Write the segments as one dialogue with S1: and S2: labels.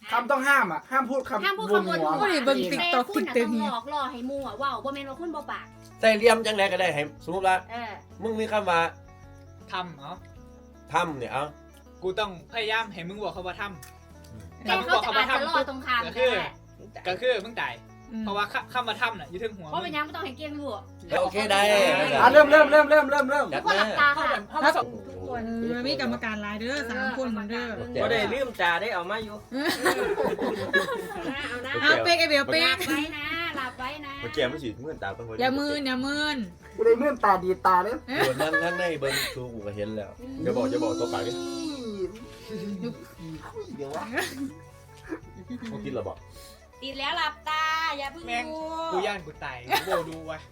S1: คำต้องห้ามอ่ะห้ามพูดคำ
S2: ห้ามพูดคำบนหัว
S3: โอ้ยเบิ่งติ๊ก
S2: แต่
S3: ต็อก
S2: คุ
S3: ติ๊
S2: ณ
S3: ก
S2: น่ะ
S3: ตึ
S2: ต้อง งหลอกล่อให้มัวว้าวบ่แม่นว่าคุณบ่ปาก
S4: ใส่เหลี่ยมจังไดก็ได้ให้สมมติว่า
S2: เออ
S4: มึงมีคำว่า
S5: ทำเหรอ
S4: ทำเนี่ยเอา
S5: กูต้องพยายามให้มึงบอกเขาว่าท
S2: แต่เขาจะอาจจะล่อตรงข้ามก็ได้
S5: ำก็คือมึงตายเพราะว่าคำว่าทำน่ะอยู่ถึงหัว
S2: เพราะเป็นยังไม่ต้องให้เกียงรู้
S4: โอเคได้
S1: เริ่ม
S4: จั
S2: ทุกคนหลับตาค่ะ
S3: ทุกคนมีกรรมการหลายเด้อ3 คนเด้อ
S6: ก็ได้ลืมตาได้เอามาอยู่
S2: เอานะ
S3: เอาเป๊กไอเบล
S2: ห
S3: เป๊
S2: ลั
S3: ก
S2: บไว้นะหลับไว้นะ
S7: เมื่อกี้ไม่ฉีดเมื่อตาต้อง
S3: อย่ามืนอย่ามืน
S1: กูเลยเมื่อตาดีตาเลย
S4: เดี๋ยวนั่งข้างในเบิ้งชูกูก็เห็นแล้ว
S7: อย่าบอกตัวปากดิ
S1: เดี๋ยววะ
S7: เขากินเราบอก
S2: ติดแล้วหลับตาอย่าเพิ่งดู
S5: กูย่านกูตายกูโบดูไว้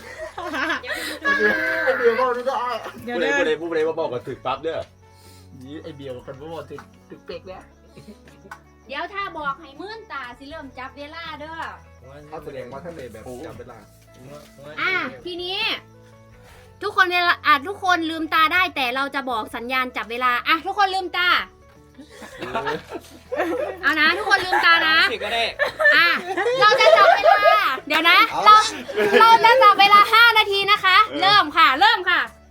S1: เดี๋ยวบอกได้
S3: เดี๋ยว
S7: ผู้ใด
S3: เด้อ
S7: ผู้ใดมาบอกก็ถึกปั๊บเด้อ
S1: นี่ไอเบียวคนบ่บอกถึงเป๊กแล้ว
S2: เดี๋ยวถ้าบอกให้มื่นตาสิเริ่มจับเวลาเด้อ
S1: เขาแสดงว่าท่านเลยแบบจำเวลา
S2: ทีนี้ ทุกคนเวลาทุกคนลืมตาได้แต่เราจะบอกสัญญาณจับเวลาทุกคนลืมตาเอานะทุกคนลืมตานะ
S5: สิก็ได้
S2: เราจะจับเวลาเดี๋ยวนะเราจะจับเวลา5 นาทีนะคะ เริ่มค่ะ เริ่ม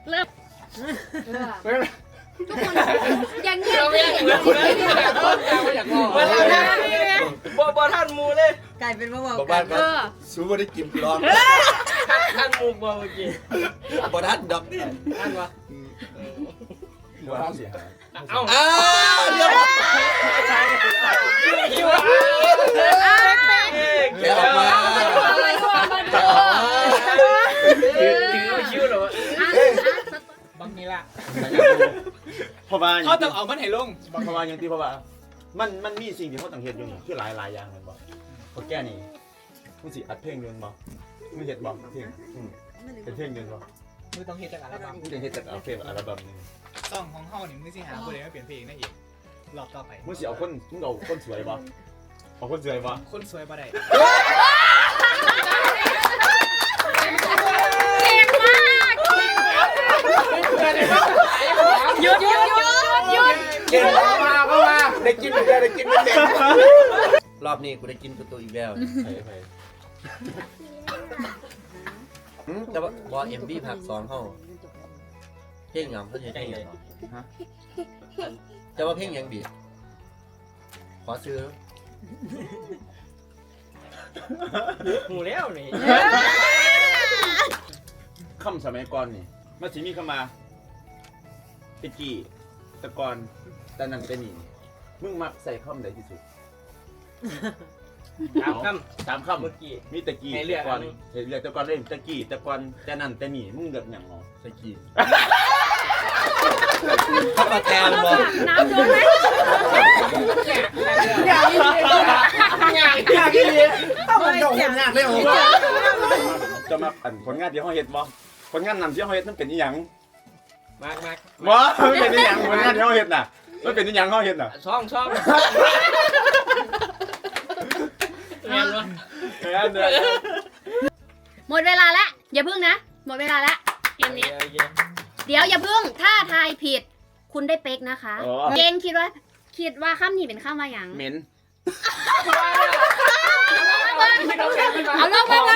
S2: ทุกคนอย่างเงี้ย
S5: เราไม่อยากเล่นเราไม่อยากบอก
S6: บ่ท่านมูเลย
S3: กลายเป็นว่า
S4: บอก
S3: กั
S4: บ้าน นก็สู้ไม่ได้กินร้อน
S6: ท่านมูบ่เมื่อกี้
S4: บ่ทันดอก
S6: ท่านวะ
S7: หัวเราเสียหาย
S6: เอ้า
S4: เรื่องแกออกมา
S6: ถึงไม่คิ้วหรอบ
S5: างทีละ
S7: เพราะว่า
S5: เขาต้องเอามันให้ลง
S7: เพราะว่าอย่างที่เพราะว่ามันมีสิ่งที่เขาต้องเห็นอยู่นี่คือหลายอย่างเลยบอกเขาแก้นี่มึงสิอัดเพลงนึงบอกมึงเห็นบอกเพลงเป็นเพลงนึงบอก
S5: มือต้องเฮ็ดจากอัลบั้ม
S7: มึงจะเห็นจากเอาเพลงอัลบั้มนึง
S5: ซ่องของเฮานี่มึงสิหาผู้ใดมาเปลี่ยนเพลงได้อีกรอบต่อไป
S7: มึงสิเอาคนสวยบอกเอาคนสวยบอก
S5: คนสวยบ่ได้
S2: เก่งมากหยุด
S1: เก่งเข้ามาได้กินไม่ได้กินไม่ได้
S4: รอบนี้กูได้กินตัวอีกแล้ว
S7: ไป
S4: แต่ว่าบอเอ็มบีผักสองเขาเพลงหยังเขาใช้เพลงหยังแต่ว่าเพลงหยังบีขอซื้อ
S6: หูแล้วนี่
S7: คำสมัยก่อนนี่มันสิมีคำมาตะกี้ตะกอนแต่นั่นแต่นี่มึงมักใส่คำใดที่สุด
S6: ถามค
S7: สาม
S6: ำ
S7: คำ
S6: เมื่อกี้
S7: มีตะกี้
S6: ให้เลือก
S7: ตะกอน
S6: อันนี้
S7: ให้เลือกตะกอนเล่นตะกี้ตะกอนแต่นั่นแต่นี่มึงเลือกอย่างงอ
S4: ตะกี้ถ้ามาแทนบอก
S2: น้ำโดนไหม
S1: อยากกินเลยต้องมันโด่งยากเลยโอ้
S7: จะมาปั่นผลงานที่เขาเฮ็ดบ่ผลงานนำที่เขาเฮ็ดมันเป็นอีหยัง
S6: มาก
S7: บ่มันเป็นอีหยังผลงานที่เขาเฮ็ดน่ะมันเป็นอีหยังเขาเฮ็ดน่ะ
S6: ช่องงานวะ
S7: งานเด้อ
S2: หมดเวลาแล้วอย่าพึ่งนะหมดเวลาแล้วเกมนี้เดี๋ยวอย่าพึ่งถ้าทายผิดคุณได้เป๊กนะคะเกงคิดว่าคำนี้เป็นคำว่าอย่าง
S7: เหม็น
S2: เอาลงมาเลย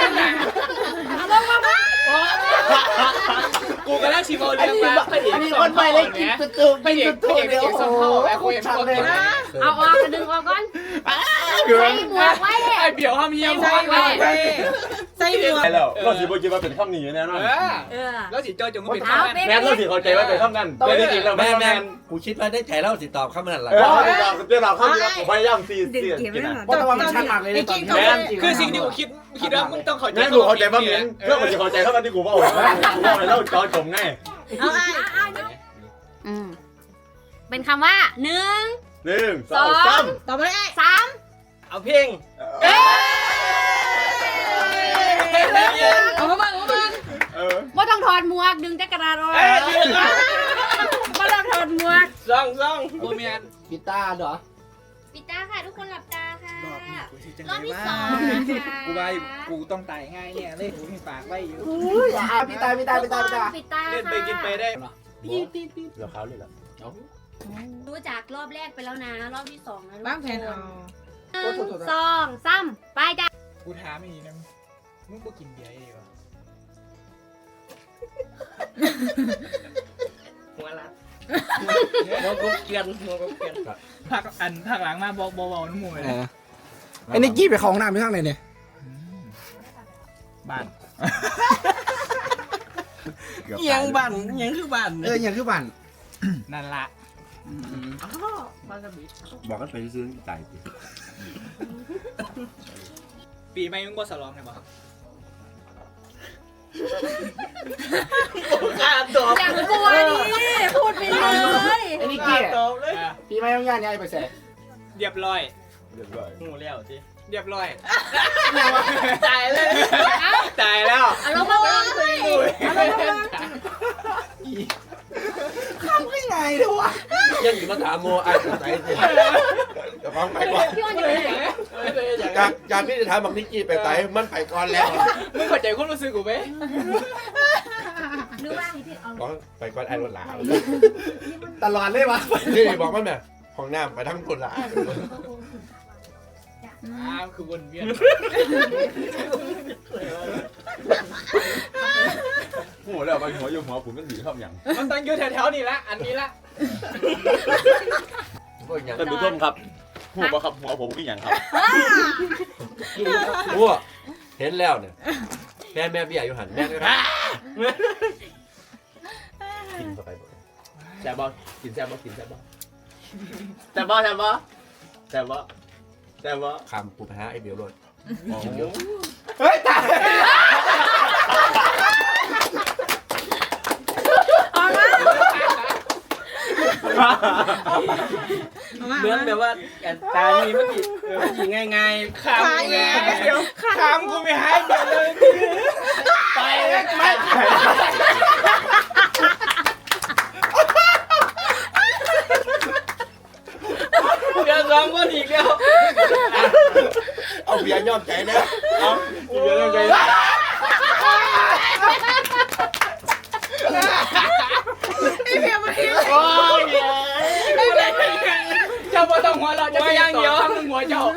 S5: กูก็ได้ชิโมเรียงมาพระเอก
S1: มีคนไปเลยกินตัว
S5: พระเอกส่งเข้าแอบคุยกับคนนะ
S2: เอาออกกระดึงออกก่อนใส่หมวกไว้
S5: ไอ้เบี่ยวห้ามเยี่ยมพอดไว้
S3: ใส่หมวก
S7: ใช่แล้วเราสิบ่คิดว่าเป็นคำนี้แน่นอน
S5: แล้วสิเจอจงก็เป็น
S2: เอา
S5: ข้าว
S2: เป๊ก
S7: แม่นเราสิเข้าใจว่าเป็นคำนั้นแต่จริงๆแล้ว
S4: แม่
S7: แม่
S4: แม่
S7: แม่น
S4: กูคิดว่าได้ใจเล่าสิตอบคำนั้นแหละ
S7: เดี๋ยวเราเข้าพยายามซีเสียกินอ่ะ
S1: เพราะว่ามันชัดมากเลยตอนนี้
S5: คือสิ่งที่กูคิดว่ามึงต้องเข้าใจ
S7: งั้นกูเข้าใจว่าเหม็นเรื่องกูจะเข้าใจเท่านั้นที่กูว่าโอ้โหกูว่าไปเล่าจอจมไง
S3: เอาไอ้
S2: เป็นคำว่า1
S7: 1 2 3
S3: ต่อไปไอ้
S2: 3
S6: เอาเพลง
S3: เอามาบ้าง
S2: ว่าต้องถอดหมวกดึงแจ็คกระดาษออกว่าต้องถอดหมวก
S6: ซ่อง
S5: โบเมียน
S1: กีตาร์เหรอ
S2: ปิดตาค่ะทุกคนหลับตาค่ะ
S5: รอบนี้กูสิจัง
S2: รอบ
S5: ไง
S2: ที่
S5: ว่า
S2: 2นะคะ
S5: กูว่ากูต้องตายง่ายเนี่ยเลยกูมีปากไว้อยู่
S1: พี่ตา
S2: ทุกคนปิดตา
S5: เล่นไปกินไปได้
S7: เดี๋ยวเขาเลยล่ะ
S2: รู้จักรอบแรกไปแล้วนะ รอบที่สองนะ
S3: บ้างแผนเอา
S2: สองสามไปจ้ะ
S5: กูถามอีกนะมึงกูกินเบียร์ดีวะ
S6: หัวละหัวกุ๊กเกียนหัวกุ๊กเกียน
S5: ผักหลังมาบอกน้ำมูกเลย
S1: ไอ้นิกกี้ไปเข้าห้องน้ำไปข้างไหนเนี่ย
S5: บ้าน
S6: ยังบ้านยังคือบ้าน
S1: อย่างคือบ้าน
S5: นั่นละ
S6: บ้านกระบี่
S7: บอกกันไปซื้อจ่ายสิ
S5: ปีใหม่มึงบ่สลองไงบ่
S6: ข้าตอบ
S2: อย่างกลัวดิพูดไปเลย
S1: ไอ้นิกกี้
S6: ตอบเลย
S1: ปีใหม่ต้องย่านยายไปแส่
S5: เรียบร้อย
S7: เรียบร้อย
S6: หูแล้วสิ
S5: เรียบร้อย
S6: ตายเลย
S5: ตายแล้ว
S2: เอาลงมาบ้างสิ
S1: ไม่ไงเดี๋ยววะ
S4: ยังอยู่มาถามโมไอ้ใจสิจะฟังไปก่อน
S2: พี่อ้นอยู่ไหน
S4: จากพี่จะถามบักนิกกี้ไปไต่มันไปก่อนแล้ว
S5: มึงเข้าใจความรู้สึกกูไหม
S2: หรือว่าให้พี่เอา
S4: บอกไปก่อนไอ้รถหลา
S1: ตลอดเลยวะ
S4: นี่บอกมันเนี่ยของน้ำไปทั้งคนละ
S5: คือวนเวียน
S7: โอ้แล้วไปหัวอยู่หัวผมมันดีชอบอย่าง
S5: มันต้องอยู่แถวๆนี่ละอันนี้ละ
S7: ท่านผู้ชมครับหัวครับหัวผมคืออย่างครับ
S4: โอ้เห็นแล้วเนี่ยแม่เบี้ยอยู่หันแม่ครับกินเข้าไปบ่แซ่บบ่กินแซ่บบ่กินแซ่บบ่
S6: แต่บ่แต่บ่
S7: แต่ว่าแต่ว่า
S4: คำปูไปหาไอ้เบียวรถ
S1: เฮ้ยตาย
S6: เหมือนแบบว่าตานี่มันกี่ง่ายๆข้ามไง
S5: เดี๋ยวข้ามกูไม่ให้เดี๋ยวเลยไปไม่
S6: เดี๋ยวซ้อมก็อีกแล้ว
S4: เอาเบียร์ยอมใจนะ
S7: อีเดียวยังไง
S6: โอ้ย
S5: เจ้าบ่ต้องหัวเราจะไปยังเดียวทำหัวเจ้า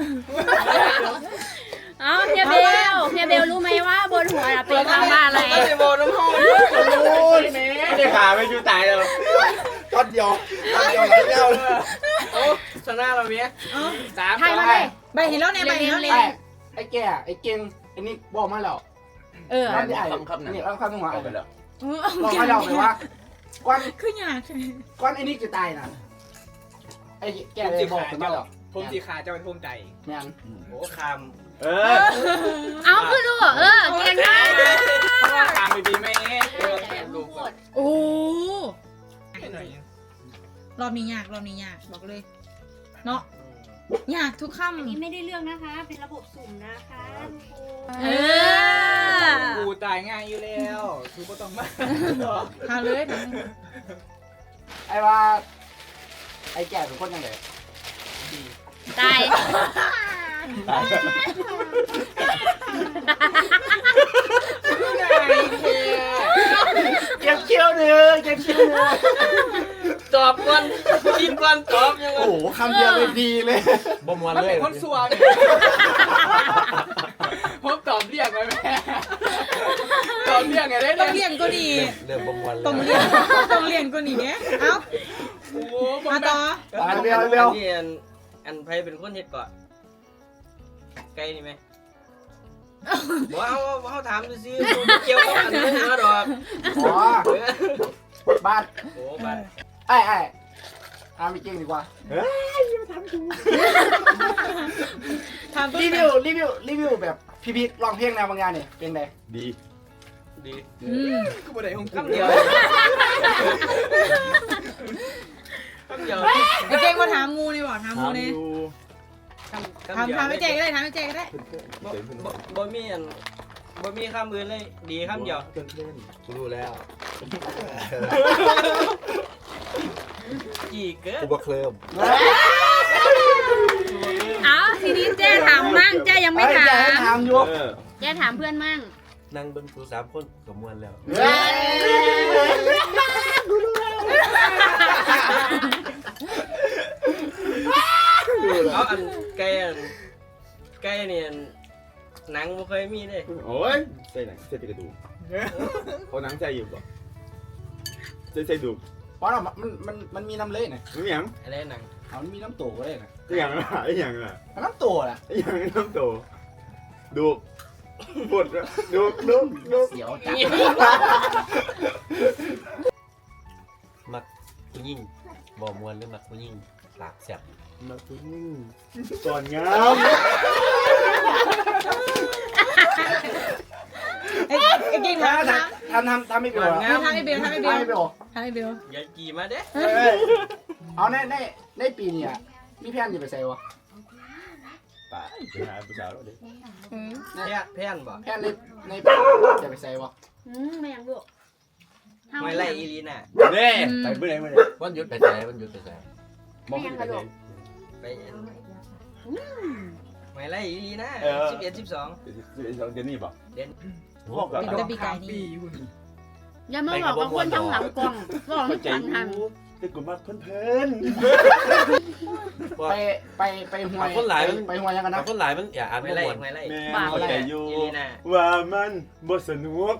S2: เอาเฮียเบลรู้ไหมว่าบนหัวเป็นคำว่าอะไร
S6: ก็จะบอกน้ำหอม
S4: โอ้ย
S7: ไม่ได้ขาไม่อยู่ตายแล้ว
S4: ก้อนเดียวก้อนเดียวหลายเดียว
S6: โอ้ชนะเราเมีย
S5: สาม
S2: ไทยมาเลย
S3: ใบเห็นแล้วเนี่ยใบเห็นแล้วเนี่ย
S1: ไอ้แก่ไอ้เก่งไอ้นิกบอกมาแล้ว
S2: เออ
S1: นั่นไอ้
S7: คำ
S1: นี่เอาคำหัว
S7: เอาไปแล้ว
S1: บอกมาแล้วเลยว่าก้อน
S3: คืออยาก
S1: ก้อนไอ้นิกจะตายนะไอ้แก่เลยบอกมาแล้ว
S5: ผมสีขาจะเป็นภูมิใจ
S1: แม่น
S6: โอ้คาม
S2: เอาคือดูเก่งมาก
S5: เพราะว่าคามไปดีไหมลูก
S3: โอ้
S5: หน่อย
S3: รอบนี้ยากบอกเลยเนาะยากทุก
S2: อันนี้
S3: คำ
S2: ไม่ได้เรื่องนะคะ เป็นระบบสุ่มนะคะทุกคน
S5: กูตายง่ายอยู่แล้วคือก็ต้องมา
S3: ทำเลย
S1: ไอ้ว่าไอ้แก่เป็นคนยังไง
S2: ตาย
S1: เก็บเขี้ยวเนื้อเก็บเขี้ยวเนื้อ
S6: ตอบก่อนกินก่อนตอบยังไง
S1: โอ้โหคำเดียวเลยดีเลย
S4: บ่มวน
S5: มัน
S4: เล
S5: เป็
S4: ย
S5: นคนสัวเนี่ยผมตอบเรียกไว้แม่ตอบเรียกไงได้
S3: ต้อง
S5: เนี่ย
S3: เรียนก็ดี
S4: เริ่มบ่มวนเลย
S3: ต้องเรียนก็ดีเนี่ยเอ้า
S5: โอ้โหผม
S3: มาต่อ
S1: เร็ว
S6: นี่อันไพเป็นคนเฮ็ดก่อนไกลนี่ไหมบอกเอาถามดูสิเกี่ยวกับอันนี้นะดอก
S1: อ๋อบ้าน
S6: โอ้บ้าน
S1: ไอ้ไม่เก่งดีกว่า
S3: ทำ
S1: รีวิวแบบพี่ๆร้องเพลงแนวบางงานเนี่ยเป็นไง
S7: ดี
S6: ดี
S5: กูบ่ได้ของกู
S6: คำเดียวคำเดียว
S3: ไอ้เจ๊มาถามงูนี่บอกถามงูนี่
S6: คำเดียว
S3: ถามไอ้เจ๊ก็ได้ถามไอ้เจ๊ก็ได้
S6: บ่มีอันบ่มีคำอื่นเลยดีคำเดียว
S4: กูรู้แล้ว
S6: กี่เกิด
S4: กูบ่เคลิ้ม
S2: เอาทีนี้เจ๊ถามมั่งเจ๊ยังไม่ถาม
S1: ถามอยู่
S2: เจ๊ถามเพื่อนมั่ง
S4: นั่งเบิ่งกู3คนก็ม่วนแล้ว
S1: เฮ้ย
S6: เอาอันไก่เนี่ยหนังบ่เคยมีเลย
S7: โอ้ยใส่หนังใส่กระดูกเขาหนังใส่อยู่บ่ใส่ดูก
S1: เพราะมันมีน้ำเละนะ
S7: นี่หยัง
S6: อะไรหนัง
S1: มันมีน้ำโตก็ได้นะ
S7: นี่หยังอ่ะไอ้หยังอ่ะ
S1: น้ำโตแหละ
S7: ไอ้หยังน้ำโตดูกปวดดูก
S1: เสียวจัด
S4: มักผู้หญิงบ่มวนหรือมักผู้หญิงหลากแซ่บ
S7: มาตุ้งก่อนงาม
S3: ไอ้เก่งมาท
S1: ทำไม่เป็นหรอ
S3: ำให้เบล
S1: ทำไม่เป็นหรอ
S3: ให้เบล
S6: อย่ากี่มาเด้
S1: เอาในปีนี้มีแผนจะไปใส่วะ
S7: ตายไปหาผู้สาวแล้วดิ
S6: แพ่นบ่
S1: แผนในปีจะไปใส่วะ
S2: ไม่ยังลูก
S6: ไม่ไล่อีลีน่ะ
S7: เด้ไปเมื่อไหร่
S4: วันหยุดไปไหนวันหยุดไปไหน
S7: มองไปไหน
S6: ไปไม่ไล่อีลีน่ะ11 12
S7: เดือนนี้ป่ะ
S4: พวก
S3: เป็นตะปีกายนี่
S2: อย่ามาบอกกับคนทั้งหลังกล่องบอกให้ฟังทัน
S7: แต่กูมาเพิ่น
S1: ไปห่วยไปห่วยยังกัน
S4: แต่
S1: นะ
S4: คนหลายมันอย่าอ่าน
S6: ไม่
S4: บ่
S6: ไล่
S4: ม่วน
S6: ไม่ไล่
S7: แม่เข้าใจอยู่
S6: อีลีน่ะ
S7: ว่ามันบ่สนุก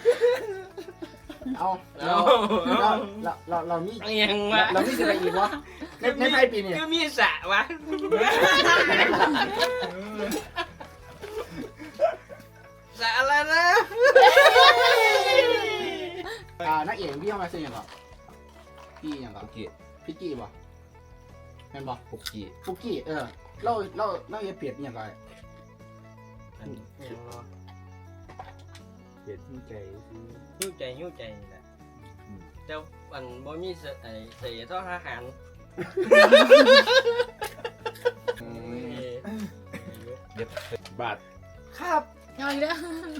S1: เอาเรามี
S6: ยังวะ
S1: เรามีจะไปอีกวะในไพ่ปีนี้
S6: คือมีสะวะสะอะไรนะ
S1: นักเอกพี่เข้ามาซื้อยังก่อนพี่ยังก่อน
S4: ปุกกี้
S1: พี่กี้ป่ะแม่นป่ะ
S4: ปุกกี้
S1: ฟุกี้เราอย่าเปรียบยังก่อน
S7: เจ็ดใจ
S6: หิ้วใจนี่แหละแต่วันบ่มีเสียท่อทหาร
S7: บาท
S1: ครับ
S3: เอาอีกแล้ว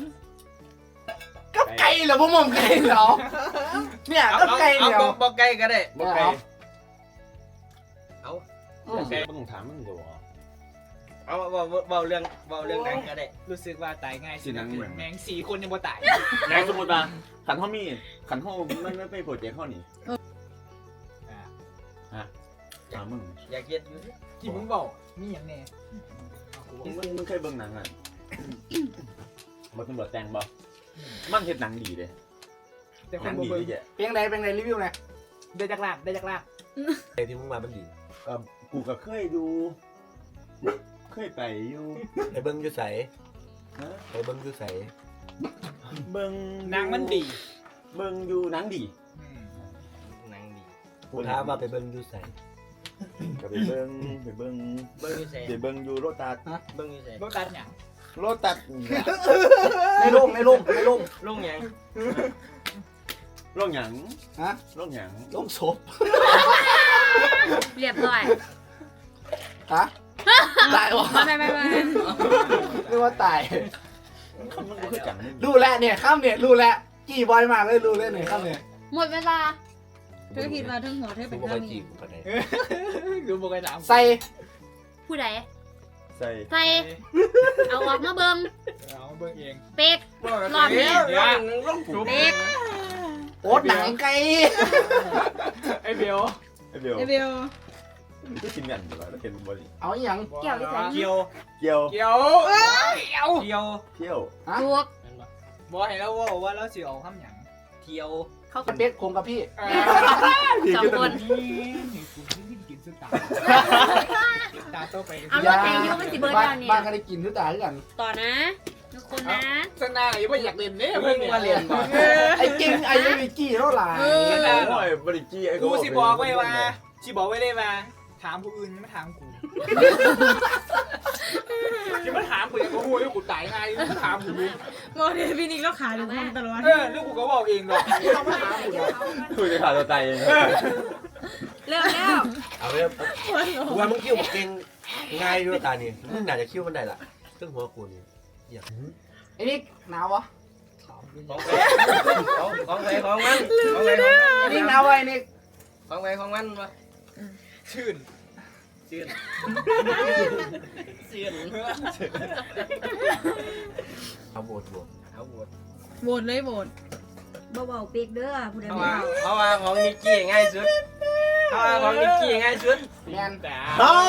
S1: กับไก่เหรอพวกมึงไก่เหรอเนี่ยกับไก่เหรอ
S6: บอกไก่ก็ได้
S7: บ่ไกล
S6: เอา
S7: ไกลบ่ต้องถามมึงตัว
S6: เอาเบาเรื่องหนังก็ได้
S5: รู้สึกว่าตายง่าย
S7: สิหนังเหมือน
S5: แมง4 คนยังบ่ตาย
S7: นายสมมุติว่าขันห้องมีขันห้องมันไม่โปรเจกต์ห้องนี่ถามมึง
S6: อยากเย็ดอยู่
S5: ที่มึงบอกมีอย่างแน่
S7: มึงเคยเบิ่งหนังอ่ะบ่ตำรวจแต่งบ่มันเฮ็ดหนังดีเด้
S5: แต่ค
S7: หนั
S5: น
S7: ง
S5: บ่
S7: ดี
S5: เบิ่ง
S7: แก
S1: เป็นไงรีวิวหน่อย
S5: ได้จากลาก
S4: ไอ้ที่มึงมามันดี
S7: กูก็เคยดู เคยไปอยู่
S4: ไปเบิ่งอยู่ไสไปเบิ่งอยู่ไส
S7: เบิ่ง
S5: นางมันดี
S7: เบิ่งอยู่หนังดี
S6: หนังดี
S4: กูถามว่าไปเบิ่งอยู่ไส
S7: ก็ไปเบิ่ง
S6: เบิ้งอยู่ใส่
S7: ไปเบิ่งอยู่โรตัส
S6: เบิ้งอยู่ใส่
S5: บ่ตัดหยัง
S7: โรตัส
S1: ในโรง
S6: ลุงยัง
S7: โรงหยัง
S1: ฮะ
S7: โรงหยัง
S1: โรงศพ
S2: เรียบร้อย
S1: ฮะตายวะ
S2: ไม่
S1: เรียกว่าตาย
S7: มันก็คือกัน
S1: รู้แล้วเนี่ยข้ามเนี่ยรู้แล้วกี่บอยมากเลยรู้เลยเนี่ยข้ามเนี่ย
S2: หมดเวลา
S3: เธอคิดว่าทั้งหัวเธอ
S4: กู
S3: เป็น
S4: บ่
S3: ข้า
S4: เค
S3: วย
S4: จี
S3: นี้
S4: บปานใด
S5: ดูบ่เคยถาม
S1: ใส่
S2: ผู้ใด
S7: ใส่
S2: ใส่เอาออกมาเบิ่ง
S5: เอาเบิ่งเอง
S2: เป็ก รอบนี้
S6: ลุงจุ๊บ
S2: เป็ก
S1: โอ๊ตหนังไก่
S5: ไอ้เบล
S7: ไอ้เบล
S3: ไอเบล
S7: ก็กินกันอยู่แล้วเห็นบ่ดิ
S1: เอาอย่าง
S2: เกี่ยวที่ไหน
S6: เกี่ยว
S7: เกี่ยว
S5: เกี่ยว
S6: เที่ยว
S7: เที่ยว
S2: ถูก
S5: บ่ให้เราว่าเราสิเอาคำหยัง
S6: เที่ยว
S2: เขา
S1: กับเป๊กคงกับพี่
S2: สองคน
S5: นี่กูกินสุดตาตาโตไป
S2: เอารถแทงยูมันสิเบิร์ดแล้วเนี่ย
S1: บ้านก็ได้กินทุกตาด้วยกัน
S2: ต่อนะทุกคนนะ
S5: สนาอย่าบ่อยากเล่นเด้
S6: เพิ่งมาเรียนบ่
S1: ไอ้จริงไอ้ยังมีกี่เท่าไหร่
S7: โอ้ยบริจี้ไอ้
S5: กูสิบอกไว้ว่าสิบอกไว้เลยว่าถามผู้อื่นอย่ามาถามกูอย่ามาถามกูอย่างกูแล้วกูตายง่ายอย่ามาถามกู
S3: โมเดลพี่นิกแล้วขาอยู่คนตลอด
S5: แล้วกูก็บอกเองหรอกไม่ต้องมาถามกูหรอก
S7: คุยจะขาดตัวตายเอง
S2: เร็ว
S4: เอาไปกูว่ามึงคิ้วบ่เก่งง่ายด้วยตานี่มึงน่าจะคิ้วมันได้ล่ะซึ่งหัวกูนี่
S1: ไอ้นี่หนาววะ
S6: ของไปของมัน
S1: ไอ้นี่หนาวไอ้นี่
S6: ของไปของมันวะ
S5: ชื่น
S4: เอาโหวต
S6: เอาบวช
S3: โหวตเลยโหวต
S2: เบาๆเป็กเด้อผู้ใด
S6: เพราะว่าของนิกกี้ง่ายสุดของนิกกี้ง่ายสุด
S1: แมน
S7: เฮา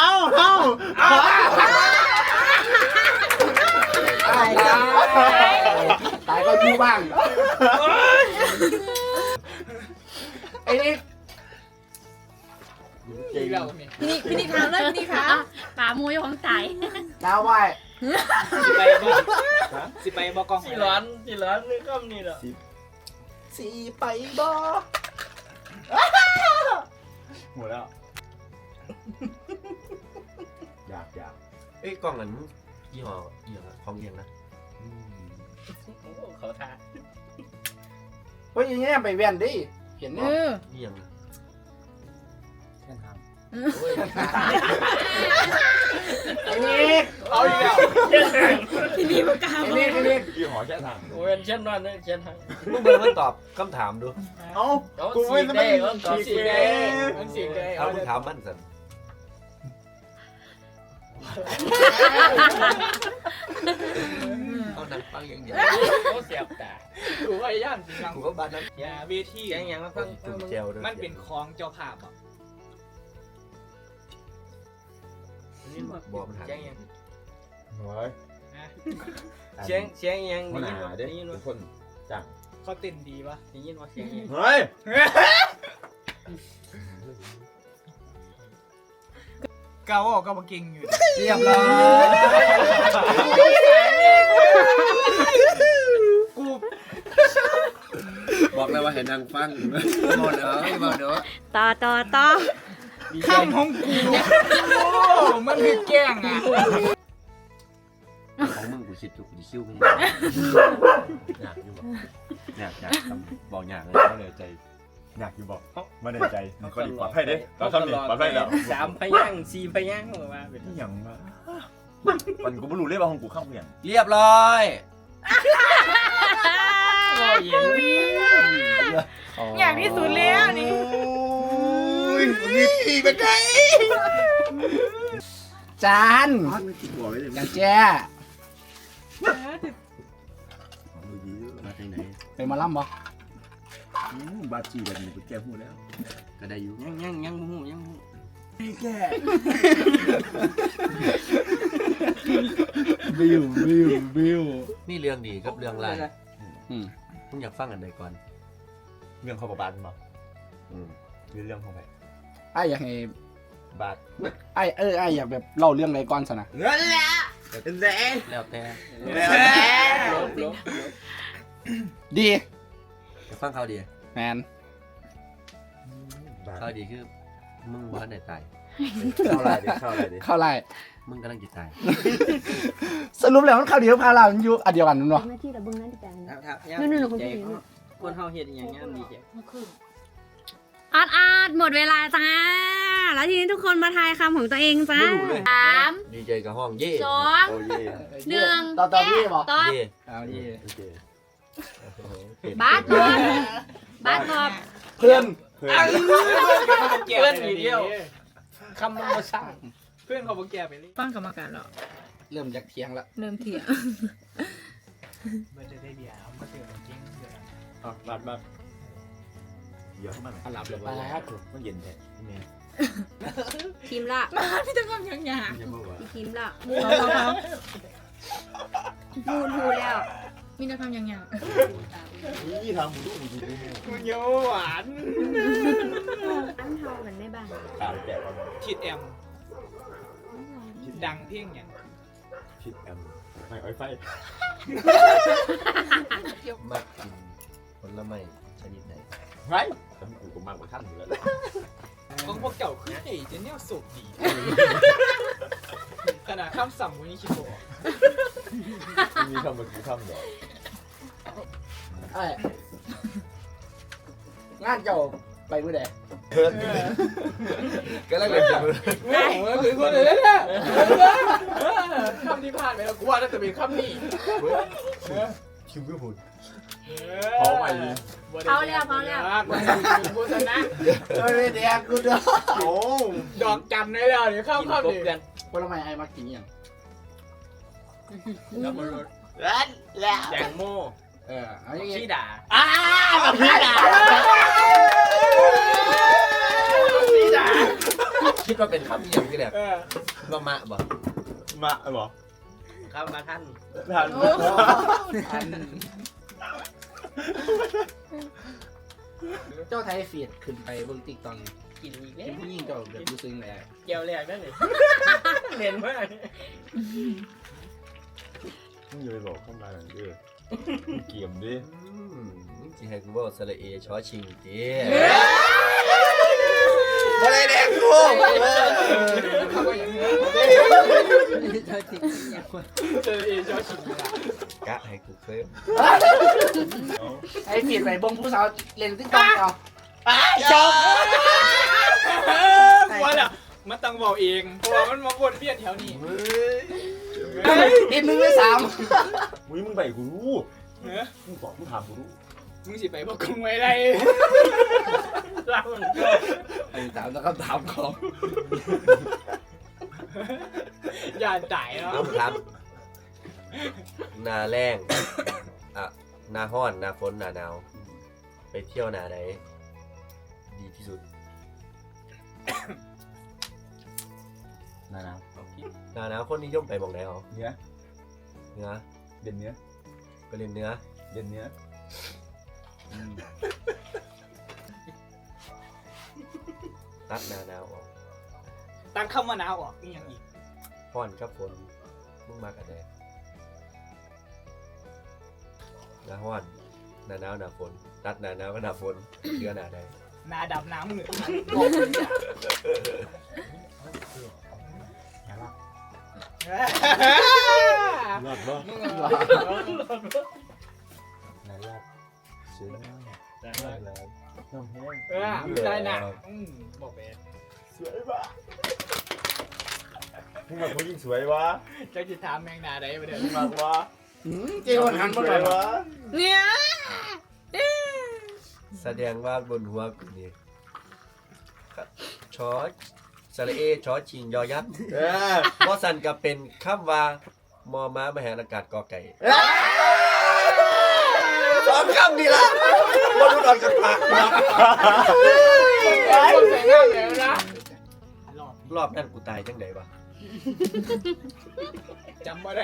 S1: ตายก็อยู่บ้างไอ้นี่
S3: พี่นี่ถามเลยพี่นี่ถาม
S2: ป่ามูยของตาย
S1: ดาวไว้
S5: สิไปบ่กล้อง
S6: สิร้อนนี่คำนี้เหรอ
S7: สีไปบ่หมดแล้วอยาก
S4: เอ้ยกล้องนั้นยี่ห้อของเอียงนะ
S6: เขาท่า
S1: เฮ้ยอย่างเงี้ยไปแว่นดิเห็น
S3: เอ
S1: เนี่ย
S3: อ
S4: เอียง
S7: แค่ทำ
S4: โอ้ย
S1: ไอ้นี่
S5: เอาอีกแล้ว
S3: พี่นี่ประกาศ
S1: ไอ้นี่
S7: พี่หอแค่ทำ
S6: โอ้ยเช่นนั้นเช่นทาง
S4: มึงเบิ่งมันตอบคำถามดู
S7: เอ้า
S6: เอา
S7: กู
S6: สี
S7: ไม่
S6: ได้
S7: ได้
S6: เอาต่อสีได้
S5: มันสิได้
S4: เอามึงถามมันสัน เอาหนังฟังอย่างเดียว
S6: เขาเสียบตา
S5: กูพยายามสิฟัง
S4: กูก็บ้านนั้น
S5: อย่าเวที
S6: แกงยังมาฟัง
S4: จุ่มแจวด้วย
S5: มันเป็นของเจ้าภาพอ่ะ
S4: บอกมันหา
S6: แกงยัง
S7: โอ้ย
S6: เสียงยัง
S7: มัน
S6: ได้ยิน
S7: หา
S6: ว่า
S7: เด้
S6: ได้ยิน
S7: เป็
S6: ว่าน
S7: คนจัง
S5: เขาเต้นดีปะ
S6: ได้ยินว่าเสียงยัง
S7: เฮ้ย
S5: เกาออกก็มาเก่งอยู่
S1: เรียบร้อยกู
S4: บอกแล้วว่าให้นางฟังบอกเด้อบอกเด้อ
S2: ต่อ
S5: คำของกูโอ้มันคือแกล้งอ่ะ
S4: ของมึงกูคิดอยู่กูคิ้วมึงอยากอยู่บอกอยากเลย
S7: มาเหนื่อยใจอยากอยู่บอกมาเหนื่อยใจมันก็ดีปลอดภัยเด้เราทำดีปลอดภัยแล้ว
S6: สามพยังสี่พยังออกมาเป็น
S7: ที่ยังมามันกูไม่รู้เลยว่าของกูข้ามเพียง
S4: เรียบร้อย
S6: โอ้ยเย็น
S3: อย่างที่สุดแล้วนี่
S7: นี่เป็นไง
S1: จาน
S7: บอกไว้เลย
S1: อย่างแจ้
S4: มาจากไหน
S1: เป็นหมาล่ำบ่
S7: บาจีแบบนี้กูแก้พูดแล้ว
S4: ก็ได้อยู่
S6: ยังหู
S7: แก้
S1: บิว
S4: นี่เรื่องดีกับเรื่องร้าย
S1: อืม
S4: มึงอยากฟังอันใดก่อน
S7: เรื่องข้าวบาทมั้งมีเรื่องของใคร
S1: ไอ้อยากให้
S7: บาท
S1: ไอ้อยากแบบเล่าเรื่องอะไรก่อนสนะ
S4: แล้วแต่
S1: ดี
S4: อยากฟังเขาดี
S1: แมน
S4: เขาดีคือมึงบ้านไหนตาย
S7: เข้าอะไรดิเข้าอะไรดิ
S1: เข้าไล่
S4: มึงกำลังจะตาย
S1: สรุปแล้วมันเข้าเดียวพาเรามันอยู่อันเดียวกันนั่นวะ
S2: หน้าที่เราเบิ่งหน้าที่กัน
S6: นู่นคนที่คนเฮาเฮ็ดอย่างงี้ดีจ้ะ
S2: อาร์ตหมดเวลาจ้า แล้วทีนี้ทุกคนมาทายคำของตัวเองจ้า 3
S4: ดีใจกับห้องเย่
S2: 2
S7: โอ้ย
S2: 1
S1: ต่อพี่บอก
S2: ตอบ
S4: เย่
S1: เอาดี
S7: โอเค
S2: บาสตอบ
S1: เพื่อน
S5: เพื่อนอีกเดียวคำมันมาสร้างเพื่อนเขาบอกแกไปเลย
S3: ฟังกรรมการแล้ว
S1: เริ่มจากเทียงแล้ว
S3: เริ่มเถียง
S5: มันจะได้เบียร์เอามาเจอจริงเดี๋ยว
S7: บาทเดี๋ยวเข้ามา
S1: อันหลับเลย
S7: ไป
S1: ไป
S7: แล้วมันเย็นแท้แม่
S2: ทีมละ
S3: มาพี่จะทำอย่าง
S7: ยังบอกว่า
S2: อีกทีมละ
S3: พอ
S2: พูดแล้ว
S3: มีแต่คำอย่าง
S7: นี่ทางผมดูดีด้วย
S5: มึงเยอะหวาน
S2: อันเท่ากันได้บ้าง
S7: ตามแกะประมาณ
S5: คิดแอมดังเพียงอย่าง
S7: คิดแอมไม่อ้อยไฟ
S4: มากกินผลไม้ชนิดไหน
S7: ไรแต่กูก็มากกว่าท่านอยู่แล้ว
S5: ของพวกเก่าคือไอ้เจนเนี่ยสุกดีขนาดคำสั่งวันนี้คิดบอก
S7: มีคำมากี่คำเดี๋ยว
S1: ไอ้งานเจ้าไปมื้อใด
S4: ก็แล้วกันจะ
S5: โอ้โหคือคนเลยเนี่ยคำที่ผ่านไปแล้วกูว่าน่าจะเป็นคำนี้
S7: คิวก็พูด
S2: เขาแล้ว
S5: กูชนะ
S1: เฮ้ยเดี๋ยวกูเด้อ
S7: โอ้
S5: ดอกจำได้แล้วเดี๋ยวข้าม
S6: กิน
S5: ข้าม
S6: กบ
S5: ดิ
S6: กัน
S1: ผลไม้ไอ้มากินยัง
S5: แล้วมัน
S6: แตงโม
S1: เอาอย่างงี้
S6: ชีดา
S1: พี่ด่า
S4: คิดว่าเป็นคำอย่างที่แหละ
S5: เออ
S4: ว่ามะบ่
S7: มาบ่
S6: ครับมาท่าน
S7: ทัน
S1: เจ้าไทยเฟียดขึ้นไปเบิ่งติ๊กต็อก
S6: กินอีกแล้
S1: เป็
S6: วน
S1: ผู้หญิงเจ้าแบบรู้สึกไง
S6: เกี่ยวแรกนั่นเลยเล่นมาก
S7: มึงอย่าไปบอกเข้ามาหน่อยดิเกี่ยมดิ
S4: ที่ให้กูบอกสระเอชอชิงจีบ่ได้แดกกู
S5: เขาก็อย่างนี้
S1: เจ้าติ๊กอย่างคน
S5: เจอเอชอชิง
S4: กะให้กูเคย
S1: ไอ้เฟียดไปเบิ่งผู้สาวเล่นติ๊กต็อกเอา
S5: กลัวแหละมันต้องบอกเองเพราะว่ามันมาวนเวียนแถวนี้
S1: ติด1ใน 3
S7: อุ้ยมึงไปกูรู้
S5: เนอะ
S7: มึงบอกมึงถามกูรู้
S5: มึงสิไปบอกกูไว้ได้
S6: เล่ามันก็
S1: ไอ้ถามแล้วก็ถามของ
S5: อย่าจ่ายเนาะ
S4: ครับหนาแรงอ่ะหนาฮ้อนหนาฝนหนาหนาวไปเที่ยวหนาไหนดีที่สุด
S7: นะ
S4: หนาหนาวคนนิยมไปหมองไหนอ๋อ
S7: เนื้อ
S4: เนื้อ
S7: เด่นเนื้อ
S4: ไปเล่นเนื้อ
S7: เด่นเนื้อ
S4: ตัดหนาหนาวออก
S5: ตั้งคำว่าหนาวออกนี่อย่างอีก
S4: ฮ้อนกับฝนมึงมากันแดดหนาฮ้อนหนาหนาวหนาฝนตัดหนาหนาวกับหนาฝนเดือนหนาใด
S5: หนาดำหนามืด
S7: รอดบ่
S5: มึง
S7: นายรอดเสียงได้เลยน้องแห้ง
S5: ได้หนักบอกไป
S7: สวยปะมึงมาผู้หญิงสวยวะ
S5: เจ้าจิตถามแมงนาได้ไปเดี๋ยว
S7: มึงมากวะ
S1: เจ้าหัน
S7: ส
S1: บ่
S7: ว
S1: ได้
S7: ยวะ
S3: เนี่ย
S4: แสดงว่าบนหัวกูนี่ชอสระเอชอชิงยอยักษ์
S7: เออ
S4: บ่สันก็เป็นคำว่ามอม้ามหาอากาศกอไก่สองคำนี่ละบ่รู้ดอกจากปากนะ
S5: คนใส่ง่ายแล้วนะ
S4: รอบนั้นกูตายจังไดวะ
S5: จำไม่ได้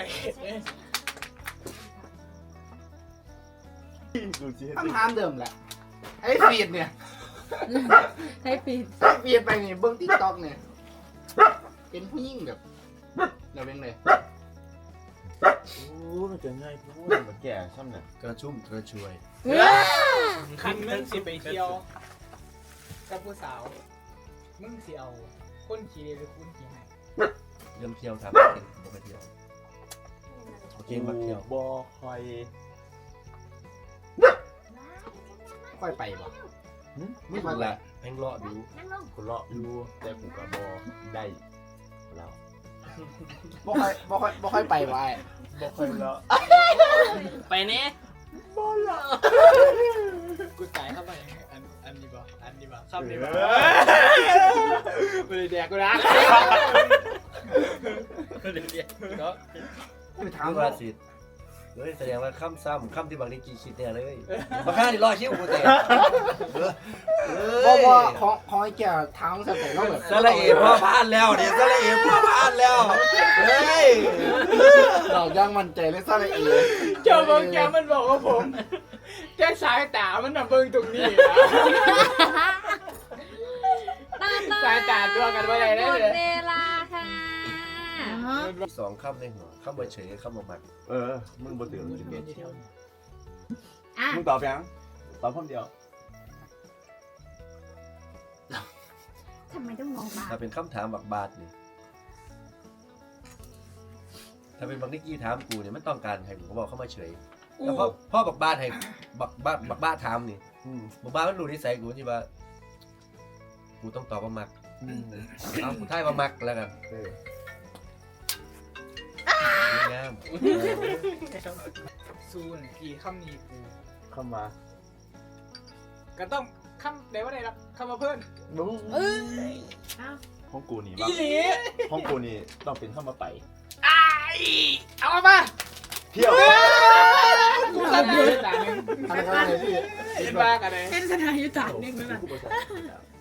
S7: ดูสิ
S1: คำถามเดิมแหละไอ้เฟียดเนี่ย
S3: ให้ปิด
S1: ไอ้เฟียดไปนี่เบิ่งติ๊กต็อกเนี่ยเป็นผู้หญิงแบบเราเป็นเลย
S7: โอ้มันจะง่ายพูดมันแก่ช่ำเนี่ย
S4: กระชุ่มกระชวย
S5: คันมึงสิไปเที่ยวกับผู้สาวมึงสิเอาคนขี่หรือคนขี่ให้
S4: เรื่องเที่ยวครับบ่ไปเที่ยวโอเคมาเที่ยว
S7: บ่คอย
S1: ค่อยไปบ่
S4: มึงละแพงเลาะดู
S7: กูเลาะอยู่แต่กูกับ่ได้แล้ว
S1: บ่ค่อยไปบ่ไอ้
S7: บ่ค่อยเลาะ
S6: ไปเนี่ย
S5: กูตายเข้าไปอันนี้บ่อันนี้บ่เข้านี้บ่ไม่ได้แดกกูนะ
S1: คือถา
S4: ถาม ม
S1: ว่า
S4: ว่าสิเฮ้ยแสดงว่าคำซ้ำคำที่บางทีกี่คิดเนี่ยเลยบางครั้งนี่รอคิ้วกูแต่
S1: บ่ของไอ้แก่ถามสเต็ปแล้วแบบ
S4: สระเอพ่อพานแล้วเนี่ยสระเอพ่อพานแล้วเฮ้ย
S1: เรายังมั่นใจเลยซะเลยเอ
S5: เจ้าบางแกมันบอกว่าผมแค่สายตามันน่ะเบิ่งตรงนี้นะ สายตาตัวกันว่าอะไรได้
S2: หมด
S5: เลย
S2: เวลาค่ะ
S4: สองคำในหัวคำว่าเฉยคำว่ามัน
S7: เออมึงบ่ตื่นมึงจะเก็ต
S2: อ่ะ
S7: มึงตอบยังตอบคำเดียว
S2: ทำไมต้องมองมา
S4: ถ้าเป็นคำถามบักบาดนี่ถ้าเป็นบางนิกกี้ถามกูเนี่ยมันต้องการให้ผมบอกเข้ามาเฉยแล้วพ่อบักบาดให้บักบาดถามนี่บักบาดมันรู้นิสัยกูที่ว่ากูต้องตอบว่ามักเอากูท้ายว่ามักแล้วกัน
S7: เออ
S4: ดีงาม
S5: ซูนกี่คำนี้กู
S7: เข้ามา
S5: ก็ต้องคำได้ว่าได้รับคำมาเพิ่ม
S7: บู๊
S2: เอ้ย
S7: ห้องกูนี่
S5: อี
S7: บ้า
S5: หลี
S7: ห้องกูนี่ต้องเป็นเข้ามาไป
S5: เอามา
S7: เที่ยว
S5: กูทำได้สายนึง
S1: อะไรก็ได้พี่
S5: เป็นบ้ากันเลย
S3: เป็นสถานยุติธรรมนึงนั่นแหละ
S7: กูประสาท